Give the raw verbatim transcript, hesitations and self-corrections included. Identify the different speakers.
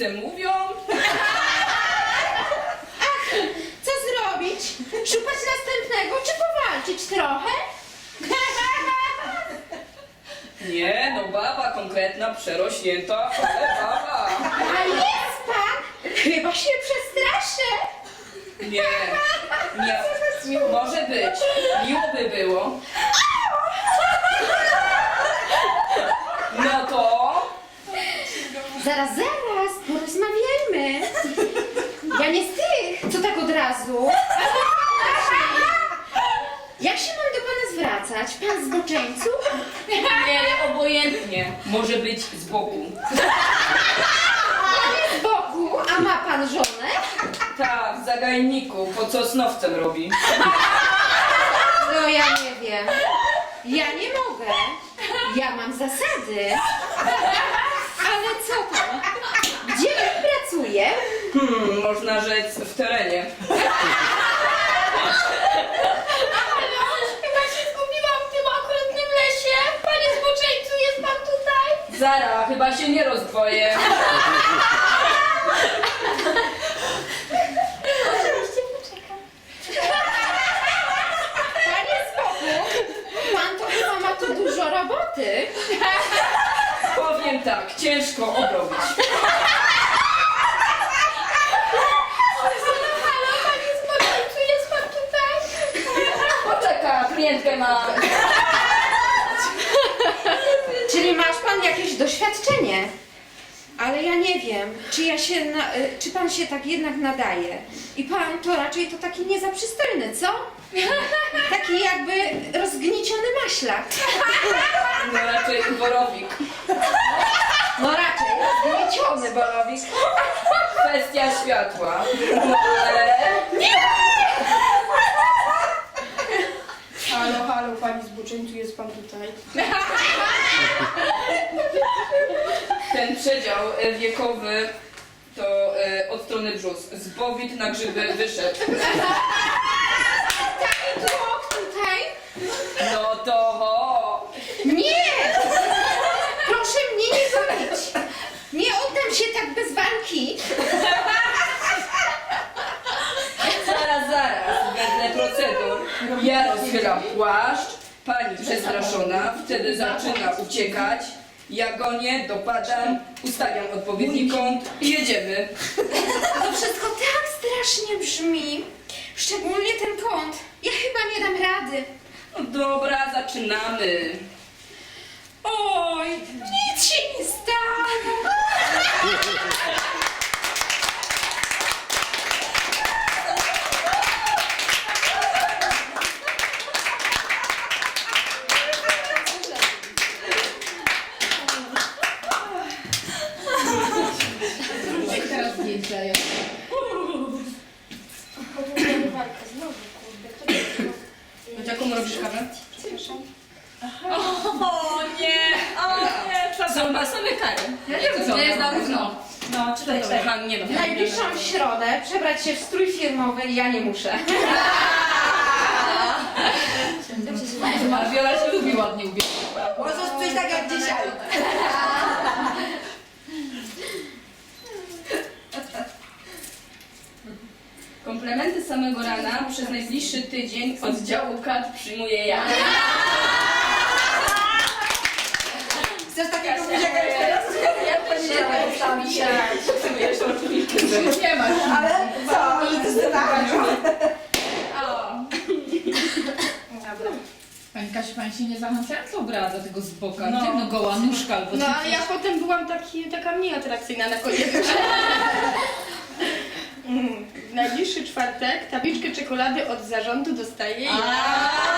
Speaker 1: rodzice mówią?
Speaker 2: Ach, co zrobić? Szukać następnego, czy powalczyć trochę?
Speaker 1: Nie, no baba konkretna, przerośnięta, ale baba.
Speaker 2: A jest pan? Chyba się przestraszę.
Speaker 1: Nie, nie, może być. Miło by było. No to...
Speaker 2: Zaraz, zaraz, porozmawiajmy. Ja nie z tych, co tak od razu. Jak się mam do pana zwracać? Pan zboczeńcu?
Speaker 1: Nie, obojętnie. Może być z boku.
Speaker 2: Pan z boku, a ma pan żonę?
Speaker 1: Ta, w zagajniku, pod sosnowcem robi.
Speaker 2: No ja nie wiem. Ja nie mogę. Ja mam zasady. Ale co tam? Gdzie pan pracuje?
Speaker 1: Hmm, można rzec w terenie.
Speaker 3: Chyba się zgubiłam w tym okrutnym lesie. Panie zboczeńcu, jest pan tutaj?
Speaker 1: Zara, chyba się nie rozdwoję.
Speaker 3: Oczywiście poczekam.
Speaker 2: Panie spokój. Pan to chyba ma tu dużo roboty.
Speaker 1: Powiem tak, ciężko obrobić.
Speaker 3: Halo, panie zboczeńcu, jest pan tutaj?
Speaker 1: Poczeka, klientkę ma.
Speaker 2: Czyli masz pan jakieś doświadczenie? Ale ja nie wiem, czy ja się na, y, czy pan się tak jednak nadaje. I pan to raczej to taki niezaprzystojny, co? Taki jakby rozgnieciony maślak.
Speaker 1: No raczej borowik.
Speaker 2: No raczej rozgnieciony borowik.
Speaker 1: Kwestia światła. No ale...
Speaker 4: Halo, halo, pani zboczeńcu, jest pan tutaj?
Speaker 1: Ten przedział e, wiekowy to e, od strony brzus. Z bowit na grzyby wyszedł.
Speaker 2: Taki tłok tutaj.
Speaker 1: No to ho.
Speaker 2: Nie! Proszę mnie nie zabić. Nie oddam się tak bez walki.
Speaker 1: Zaraz, zaraz, wedle procedur. Ja rozchylam płaszcz, pani przestraszona, wtedy zaczyna uciekać. Ja gonię, dopadam, ustawiam odpowiedni kąt i jedziemy.
Speaker 2: To wszystko tak strasznie brzmi. Szczególnie ten kąt. Ja chyba nie dam rady.
Speaker 1: No dobra, zaczynamy.
Speaker 2: Oj, nic się nie stało.
Speaker 4: Teraz zdjęcia jest.
Speaker 3: Podróżujemy walkę znowu, kurde. Kto to jest?
Speaker 1: Chodź, jaką robisz kawę?
Speaker 3: Przepraszam.
Speaker 1: O nie, o nie, trzeba są same kary.
Speaker 4: Ja nie wiem, co
Speaker 1: Nie jest
Speaker 4: ona
Speaker 1: na
Speaker 4: mówi.
Speaker 1: równo.
Speaker 4: No, czytaj, czytaj.
Speaker 1: Aha, nie no.
Speaker 2: W najbliższą środę przebrać się w strój firmowy i ja nie muszę.
Speaker 4: A Wiola się lubi ładnie ubierać.
Speaker 2: Możesz przyjść tak jak dzisiaj.
Speaker 1: Komplementy samego rana przez najbliższy tydzień od działu kat przyjmuję ja.
Speaker 2: Chcesz takiego buziaka jeszcze raz?
Speaker 1: Ja powiedziałem sami się. Jeszcze oczywiście.
Speaker 4: Nie masz.
Speaker 2: Ale co? Ale to jest
Speaker 4: Pani Kasiu, pani się nie zachęcająco ubrała do tego z boka.
Speaker 1: No.
Speaker 4: No, no goła nóżka albo
Speaker 3: No,
Speaker 4: coś.
Speaker 3: a ja potem byłam taki, taka mniej atrakcyjna na koniec. Mm, W najbliższy czwartek tabliczkę czekolady od zarządu dostaję ja.